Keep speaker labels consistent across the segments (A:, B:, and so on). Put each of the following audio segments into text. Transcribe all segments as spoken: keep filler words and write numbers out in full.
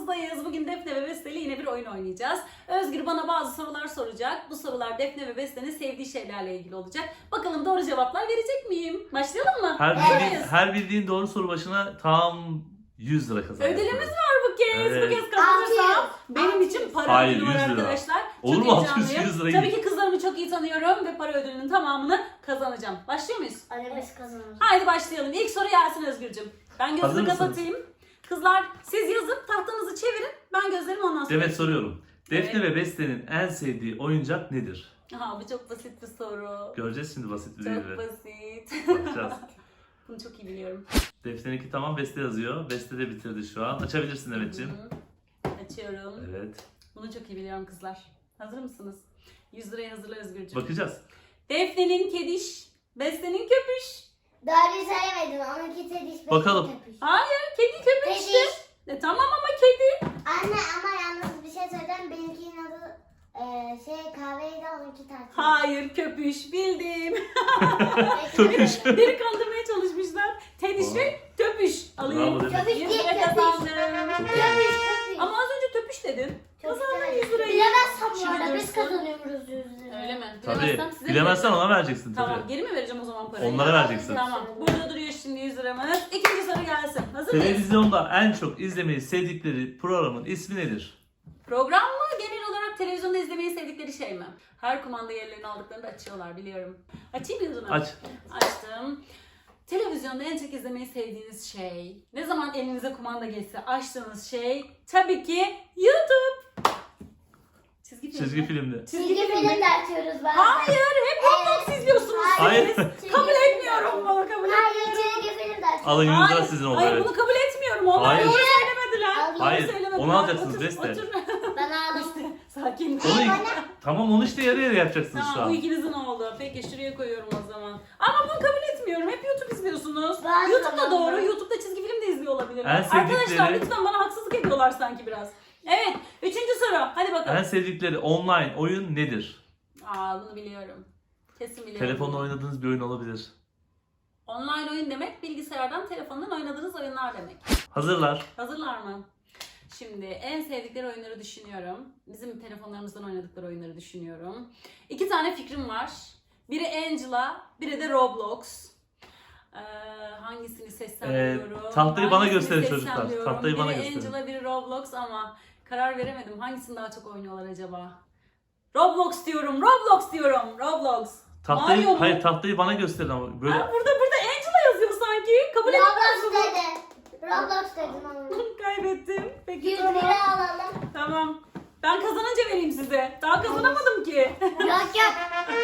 A: karşınızdayız. Bugün Defne ve Beste ile yine bir oyun oynayacağız. Özgür bana bazı sorular soracak. Bu sorular Defne ve Beste'nin sevdiği şeylerle ilgili olacak. Bakalım doğru cevaplar verecek miyim? Başlayalım mı?
B: Her bildiğin,
A: Evet.
B: her bildiğin doğru soru başına tam yüz lira kazanıyorsun.
A: Ödülümüz var bu kez.
B: Evet.
A: Bu kez kazanırsam
C: altı yüz.
A: benim için
C: altı yüz.
A: para
B: Hayır,
A: ödülü var
B: yüz lira.
A: arkadaşlar.
B: Olur
A: Çok
B: mu altı yüz,
A: heyecanlıyım.
B: yüz lira
A: Tabii
B: iyi.
A: ki kızlarımı çok iyi tanıyorum ve para ödülünün tamamını kazanacağım. Başlıyor muyuz?
C: Annemiz kazanır.
A: Haydi başlayalım. İlk soru gelsin Özgürcüm. Ben
B: Hazır
A: gözümü
B: mısınız?
A: kapatayım. Kızlar siz yazıp tahtanızı çevirin. Ben gözlerimi ondan sonra.
B: Demet soruyorum. Defne
A: Evet.
B: ve Beste'nin en sevdiği oyuncak nedir?
A: Aha, bu çok basit bir soru.
B: Göreceğiz şimdi basit bir değil
A: Çok
B: mi?
A: basit.
B: Bakacağız.
A: Bunu çok iyi biliyorum.
B: Defne'ninki tamam, Beste yazıyor. Beste de bitirdi şu an. Açabilirsin Demet'ciğim.
A: Hı. Açıyorum.
B: Evet.
A: Bunu çok iyi biliyorum kızlar. Hazır mısınız? yüz liraya hazırla Özgürcüğüm.
B: Bakacağız.
A: Defne'nin kediş, Beste'nin köpüş.
C: Doğruyu söylemedim. Onunki tediş.
B: Bakalım.
C: Köpüş.
A: Hayır, kedi köpüş işte.
C: Tediş.
A: E, tamam ama kedi.
C: Anne ama yalnız bir şey söyleyeceğim. Benimkinin adı e, şey kahveydi, onunki tartı.
A: Hayır, köpüş. Bildim.
B: Köpüş.
A: Beni kandırmaya çalışmışlar. Tediş
B: Aa.
A: ve töpüş alayım.
B: Bravo Demet.
C: Köpüş
A: yüz
C: değil,
A: lira
C: köpüş.
A: kazandım.
C: Köpüş, köpüş.
A: Ama az önce töpüş dedin. Kazandın yüz lirayı.
C: Bilemezsem bu
A: Şimdi
C: arada biz
A: dursun.
C: kazanıyoruz yüz lira.
A: Öyle mi?
B: Tabii.
A: Bilemezsem size
B: Bilemezsen
A: vereceğim.
B: ona vereceksin tabii.
A: Tamam, geri mi vereceğim o zaman parayı?
B: Onlara vereceksin.
A: Tamam, burada duruyor şimdi yüz liramız. İkinci soru gelsin. Hazır mıyız?
B: Televizyonda en çok izlemeyi sevdikleri programın ismi nedir?
A: Program mı? Genel olarak televizyonda izlemeyi sevdikleri şey mi? Her kumanda yerlerini aldıklarında açıyorlar biliyorum. Açayım mı yüzünü?
B: Aç.
A: Açtım. Televizyonda en çok izlemeyi sevdiğiniz şey, ne zaman elinize kumanda geçse açtığınız şey tabii ki YouTube. Çizgi film.
B: Çizgi
A: mi?
B: filmde.
C: Çizgi film de açıyoruz bazen.
A: Hayır, hep Roblox izliyorsunuz
B: Hayır.
A: siz.
C: Çizgi
A: Kabul
C: film
A: etmiyorum
C: de-
A: bunu, kabul
C: Hayır,
A: etmiyorum.
C: çizgi film de açıyoruz.
B: Alın yüz lira
A: Hayır,
B: sizin oldu.
A: hayır
B: Evet.
A: bunu kabul etmiyorum. Onlar
B: Hayır.
A: doğru söylemediler.
C: Hayır.
A: Doğru
B: Hayır,
A: söylemediler.
B: onu alacaksınız
A: Otur,
B: Beste.
A: otur.
C: Ben aldım.
A: Sakin.
B: Onu, tamam onu işte yarı yarı yapacaksınız şu
A: Tamam, bu
B: an.
A: ikinizin oldu. Peki şuraya koyuyorum o zaman. Ama bunu kabul etmiyorum. Hep YouTube izliyorsunuz.
C: Ben
A: YouTube'da
C: tamam,
A: doğru.
C: ben-
A: YouTube'da çizgi film de izliyor olabilirler.
B: En sevdikleri-
A: Arkadaşlar lütfen bana haksızlık ediyorlar sanki biraz. Evet. Üçüncü soru. Hadi bakalım.
B: En sevdikleri online oyun nedir?
A: Aa, bunu biliyorum. Kesin biliyorum.
B: Telefonla oynadığınız bir oyun olabilir.
A: Online oyun demek bilgisayardan telefondan oynadığınız oyunlar demek.
B: Hazırlar.
A: Hazırlar mı? Şimdi en sevdikleri oyunları düşünüyorum. Bizim telefonlarımızdan oynadıkları oyunları düşünüyorum. İki tane fikrim var. Biri Angela, biri de Roblox. Ee, hangisini seçsem
B: Ee,
A: diyorum.
B: tahtayı bana
A: Hangisini
B: gösterin
A: seçsem
B: çocuklar.
A: diyorum.
B: Tahtayı bana
A: biri
B: gösterin.
A: Angela, biri Roblox ama karar veremedim. Hangisini daha çok oynuyorlar acaba? Roblox diyorum, Roblox diyorum, Roblox.
B: Tahtayı,
A: Mario mu?
B: hayır tahtayı bana gösterin ama böyle.
A: Aa, burada burada Angela yazıyor sanki. Kabul
C: Roblox
A: etmiyorsun.
C: dedi. Roblox dedim ama.
A: Kaybettim. Peki
C: yüz
A: tamam.
C: lira alalım.
A: Tamam. Ben kazanınca vereyim size. Daha kazanamadım ki.
C: Yok yok.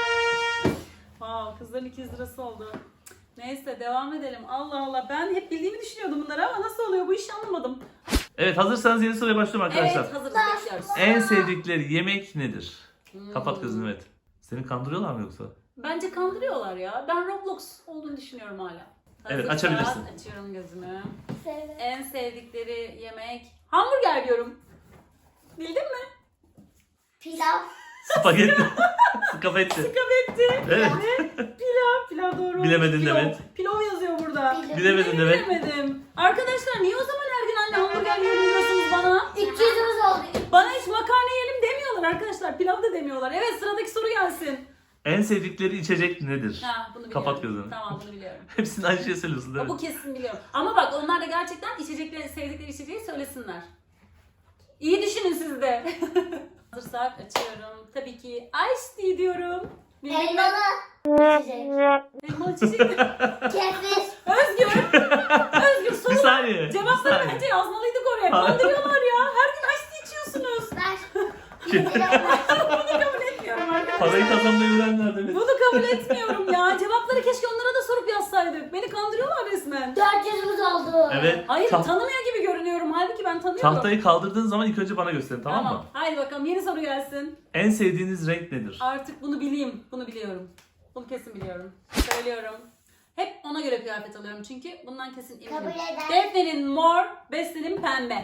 A: Wow, kızların iki yüz lirası oldu. Neyse devam edelim. Allah Allah, ben hep bildiğimi düşünüyordum bunları ama nasıl oluyor bu işi anlamadım.
B: Evet, hazırsanız yeni soruya başlıyorum arkadaşlar.
A: Evet, hazırız, bekliyoruz.
B: En sevdikleri yemek nedir?
A: Hmm.
B: Kapat gözünü evet. Seni kandırıyorlar mı yoksa?
A: Bence kandırıyorlar ya. Ben Roblox olduğunu düşünüyorum hala.
B: Evet,
A: Hazırsan
B: açabilirsin.
A: Açıyorum gözümü.
C: Söyle.
A: En sevdikleri yemek hamburger diyorum. Bildin mi?
C: Pilav.
B: Spagetti. Spagetti.
A: Skabetti.
B: Evet.
A: Pilav. Pilav doğru.
B: Bilemedin
A: Pilov.
B: Demet.
A: Pilov yazıyor burada.
B: Bilemedin Demet.
A: Bilemedim. Arkadaşlar niye o zaman her gün anne hamburger yiyelim diyorsunuz bana?
C: iki yüzümüz oldu.
A: Bana hiç makarna yiyelim demiyorlar arkadaşlar. Pilav da demiyorlar. Evet, sıradaki soru gelsin.
B: En sevdikleri içecek nedir?
A: Ha, bunu biliyorum.
B: Kapat gözünü.
A: Tamam, bunu biliyorum.
B: Hepsini aynı şey söylüyorsun değil
A: Bu
B: mi?
A: kesin biliyorum. Ama bak onlar da gerçekten içecekleri, sevdikleri içeceği söylesinler. İyi düşünün siz de. Hazırsak açıyorum. Tabii ki ice tea diyorum. Bildin mi?
C: Elmalı. İçecek.
A: Elmalı içecek.
C: Kefir.
A: Özgür. Özgür
B: Bir
A: soru.
B: saniye. bir
A: Cevapları
B: saniye.
A: bence yazmalıydık oraya.
B: Hayır.
A: Kandırıyorlar ya. Her gün ice tea içiyorsunuz.
C: Ver. yüz lira ver.
A: Bunu kabul etmiyorum arkadaşlar.
B: Parayı kazanmayı öğrenler demek.
A: Bunu kabul etmiyorum ya. Cevapları keşke onlara da sorup yazsaydık. Beni kandırıyorlar resmen.
C: dört yüzümüz oldu.
B: Evet.
A: Hayır,
B: taht-
A: tanımıyor gibi görünüyorum. Halbuki ben tanıyorum.
B: tahtayı kaldırdığın zaman ilk önce bana gösterin, tamam, mı?
A: Haydi bakalım, yeni soru gelsin.
B: En sevdiğiniz renk nedir?
A: Artık bunu bileyim. Bunu biliyorum. Bunu kesin biliyorum. Söylüyorum. Hep ona göre kıyafet alıyorum çünkü bundan kesin eminim.
C: Kabul eder.
A: Defne'nin mor, Beste'nin pembe.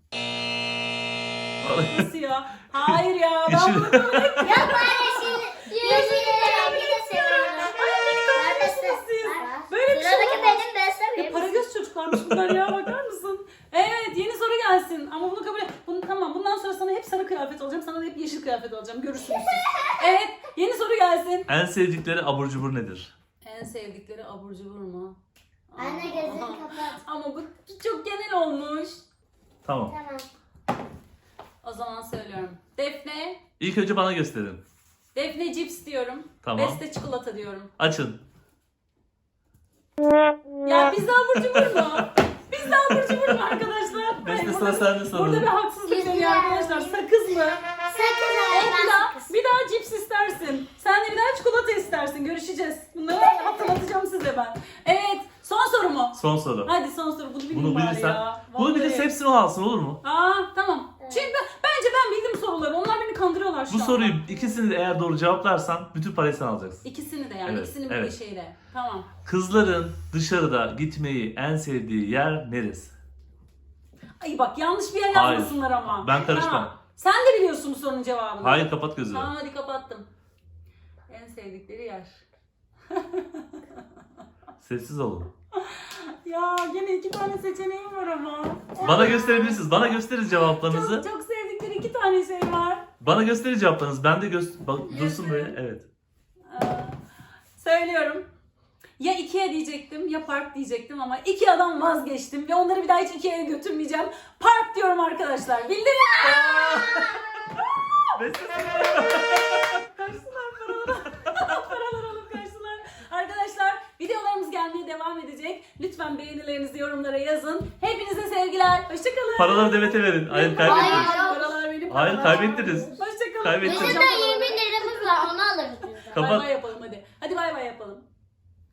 A: Nasıl ya? Hayır ya. Ben
B: İçin-
A: bunu kabul etmiyorum.
C: Yok bari şimdi. Yeşil rengi de seviyorum.
A: Neredesiniz siz? Böyle bir şey
C: Sıradaki
A: olamaz.
C: benim, ben
A: Ya
C: sevmiyorum.
A: para göz çocuklarmış bunlar ya, bakar mısın? Evet, yeni soru gelsin ama bunu kabul et. kıyafet alacağım. Sana da hep yeşil kıyafet alacağım. Görürsünüz siz. Evet. Yeni soru gelsin.
B: En sevdikleri abur cubur nedir?
A: En sevdikleri abur cubur mu?
C: Anne gözünü kapat.
A: Ama bu çok genel olmuş.
B: Tamam.
C: Tamam.
A: O zaman söylüyorum. Defne.
B: İlk önce bana gösterin.
A: Defne cips diyorum.
B: Tamam.
A: Beste çikolata diyorum.
B: Açın.
A: Ya pizza abur cubur mu? Pizza abur cubur mu arkadaşlar?
B: Beste
A: Hayır,
B: sıra
A: burada-
B: sende sorun.
A: Burada bir haksızlık
C: Pizza.
A: dönüyor arkadaşlar. Sakız mı?
C: Sakın
A: Bir
C: öğrenmez
A: daha,
C: sakız.
A: bir daha cips istersin. Sen de bir daha çikolata istersin. Görüşeceğiz. Bunları hatırlatacağım size ben. Evet. Son soru mu?
B: Son soru.
A: Hadi son soru. Bunu bilin
B: Bunu
A: bari
B: bilirsen,
A: ya.
B: bunu
A: Vallahi.
B: bilirse hepsini o alsın, olur mu?
A: Aa tamam.
C: Evet.
A: Çünkü ben- bence ben bildim soruları. Onlar beni kandırıyorlar şu
B: Bu
A: an.
B: soruyu ikisini de eğer doğru cevaplarsan bütün parayı sen alacaksın.
A: İkisini de yani.
B: Evet,
A: İkisini
B: evet.
A: bir şeyle. Tamam.
B: Kızların dışarıda gitmeyi en sevdiği yer neresi?
A: Ay bak yanlış bir yer
B: Hayır.
A: yazmasınlar ama.
B: Ben karışmam.
A: Tamam. Sen de biliyorsun bu sorunun cevabını.
B: Hayır, kapat gözünü.
A: Tamam hadi kapattım. En sevdikleri yer.
B: Sessiz olun.
A: Ya gene iki tane seçeneğim var ama.
B: Bana gösterebilirsiniz. Bana gösterin cevaplarınızı.
A: Çok, çok sevdikleri iki tane şey var.
B: Bana gösterin cevaplarınızı. Ben de göster... Bak, dursun böyle. Evet.
A: Ee, söylüyorum. Ya Ikea diyecektim ya Park diyecektim ama Ikea'dan vazgeçtim ve onları bir daha hiç Ikea'ya götürmeyeceğim. Park diyorum arkadaşlar. Bildin mi? Kaçsınlar paraları. Paralar alıp kaçsınlar. Arkadaşlar videolarımız gelmeye devam edecek. Lütfen beğenilerinizi yorumlara yazın. Hepinize sevgiler. Hoşçakalın.
B: Paraları Demet'e verin. Hayır, kaybettiniz.
C: Hayır.
A: Paralar benim
B: Hayır,
A: paralar.
B: kaybettiniz.
A: Hoşçakalın.
B: Kaybettiniz.
C: Bizim de yirmi liramız var onu alırız biz de.
B: Kapat.
A: Bay bay yapın.